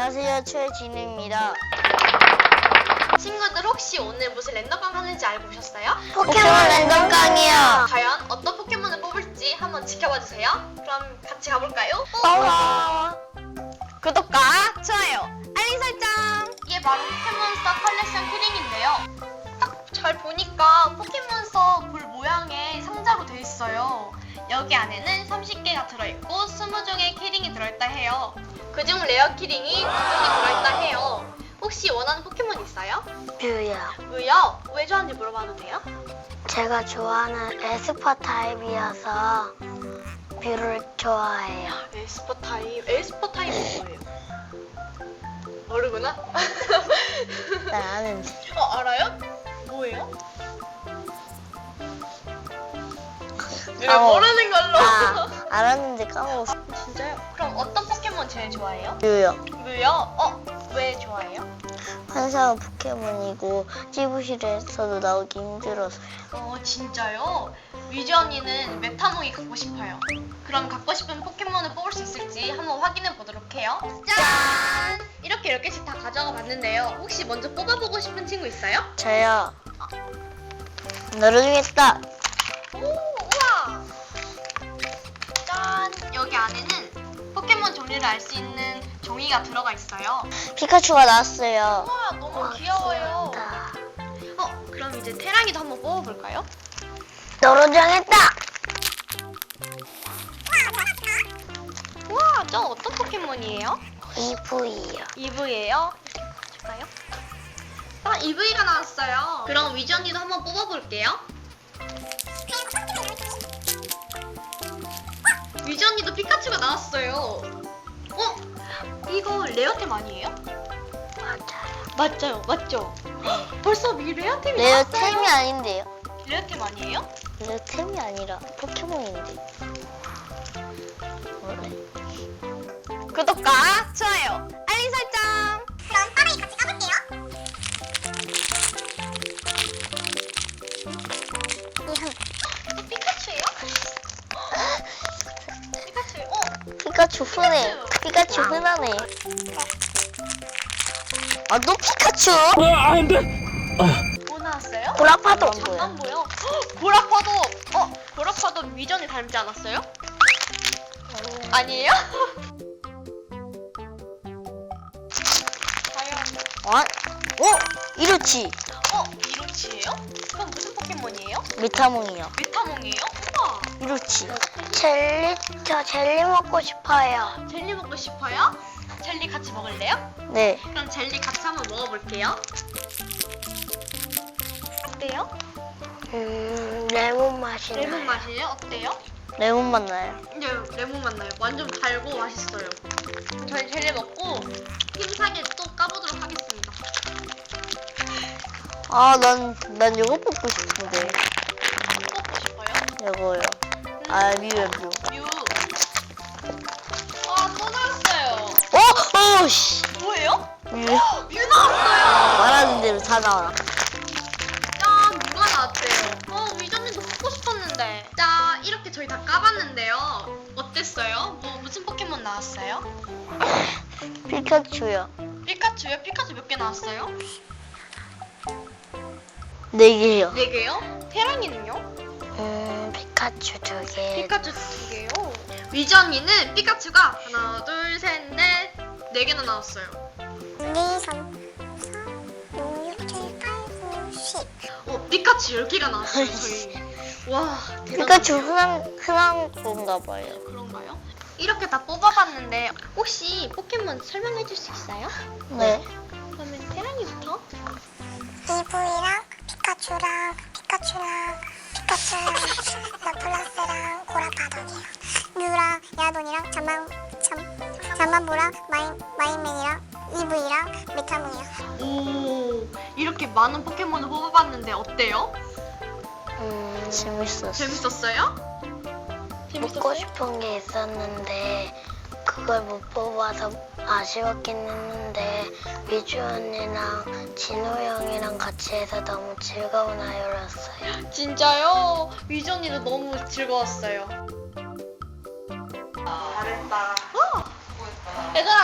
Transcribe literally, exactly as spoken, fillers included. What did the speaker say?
안녕하세요, 최진우입니다. 친구들 혹시 오늘 무슨 랜덤강 하는지 알고 오셨어요? 포켓몬 랜덤강이요. 과연 어떤 포켓몬을 뽑을지 한번 지켜봐 주세요. 그럼 같이 가볼까요? 어. 구독과 좋아요, 알림 설정! 이게 바로 포켓몬스터 컬렉션 키링인데요. 딱 잘 보니까 포켓몬스터 볼 모양의 상자로 되어 있어요. 여기 안에는 서른 개가 들어있고 이십 종의 키링이 들어있다 해요. 그중 레어 키링이 두 종이 들어있다 해요. 혹시 원하는 포켓몬 있어요? 뷰요. 왜요? 왜 좋아하는지 물어봐도 돼요? 제가 좋아하는 에스퍼 타입이어서 뷰를 좋아해요. 에스퍼 타입. 에스퍼 타입은 뭐예요? 모르구나? 나 아는데. 어, 알아요? 뭐예요? 왜 어. 모르는 걸로? 아, 알았는데 까먹었어. 진짜요? 그럼 어떤 포켓몬 제일 좋아해요? 뷰요. 뮤요? 어? 왜 좋아해요? 환상은 포켓몬이고 찌부실에서도 나오기 힘들어서요. 어, 진짜요? 뮤지 언니는 메타몽이 갖고 싶어요. 그럼 갖고 싶은 포켓몬을 뽑을 수 있을지 한번 확인해 보도록 해요. 짠! 이렇게 열 개씩 다 가져가 봤는데요. 혹시 먼저 뽑아보고 싶은 친구 있어요? 저요. 열어주겠다. 오, 우와! 짠! 여기 안에는 포켓몬 종류를 알 수 있는 종이가 들어가 있어요. 피카츄가 나왔어요. 우와, 너무 귀여워요. 귀엽다. 어, 그럼 이제 테랑이도 한번 뽑아볼까요? 열어주겠다. 우와, 저 어떤 포켓몬이에요? 이브이요. 이브이예요? 줄까요? 아, 이브이가 나왔어요. 그럼 위지 언니도 한번 뽑아볼게요. 위지 언니도 피카츄가 나왔어요. 어? 이거 레어템 아니에요? 맞아요. 맞아요, 맞죠? 벌써 미 레어템이 레어템이 나왔어요. 아닌데요. 레어템 아니에요? 레어템이 아니라 포켓몬인데. 원래. 구독과 좋아요, 알림 설정. 그럼 빠르게 같이 가볼게요. 또 피카츄예요? 피카츄. 어, 피카츄 흔해. 피카츄 와. 흔하네. 아, 또 피카츄? 안 돼! 뭐 나왔어요? 보라파도. 잠깐 보여. 헉, 보라파도. 어, 보라파도 위전이 닮지 않았어요? 아니에요? 과연. 어? 어? 이로치. 어, 이로치예요? 그럼 무슨 포켓몬이에요? 메타몽이요. 메타몽이에요? 우와. 이로치. 젤리, 저 젤리 먹고 싶어요. 젤리 먹고 싶어요? 젤리 같이 먹을래요? 네. 그럼 젤리 같이 한번 먹어볼게요. 어때요? 음, 레몬 맛이 레몬 나요. 맛이에요? 어때요? 레몬 맛 나요. 네, 레몬 맛 나요. 완전 달고 맛있어요. 그럼 저희 젤리 먹고 힘차게 또 까보도록 하겠습니다. 아, 난, 난 이거 뽑고 싶은데. 먹고 싶어요? 이거요. 아, 미워, 미워. 뮤. 아, 또 나왔어요. 어? 어, 씨. 뭐예요? 미워. 뮤 나왔어요. 말하는 대로 다 나와. 짠, 뮤가 나왔대요. 어, 위전님도 뽑고 싶었는데. 자, 이렇게 저희 다 까봤는데요. 어땠어요? 뭐 무슨 포켓몬 나왔어요? 피카츄요. 피카츄요? 피카츄 몇 개 나왔어요? 네 개요. 네 개요? 테랑이는요? 음, 피카츄 두 개. 피카츄 두 개요. 위지 언니는 피카츄가 하나, 둘, 셋, 넷, 네 개나 나왔어요. 이, 삼, 사, 오, 육, 칠, 팔, 구, 십. 어, 피카츄 열 개가 나왔어요, 저희. 와, 대단하네요. 피카츄 흔한, 흔한 건가 봐요. 그런가요? 이렇게 다 뽑아봤는데 혹시 포켓몬 설명해 줄 수 있어요? 네. 그러면 테랑이부터? 이브이랑 피카츄랑 피카츄랑 피카츄랑 라플라스랑 고라파덕이에요. 뮤랑 야돈이랑 잠만 잠 잠만보랑 마인 마인맨이랑 이브이랑 메타몽이요. 오, 이렇게 많은 포켓몬을 뽑아봤는데 어때요? 음, 재밌었어. 재밌었어요? 먹고 싶은 게 있었는데 그걸 못 뽑아서 아쉬웠긴 했는데 위주 언니랑 진호 형이랑 같이 해서 너무 즐거운 하루였어요. 진짜요? 위지 언니도 너무 즐거웠어요. 잘했다. 어! 얘들아,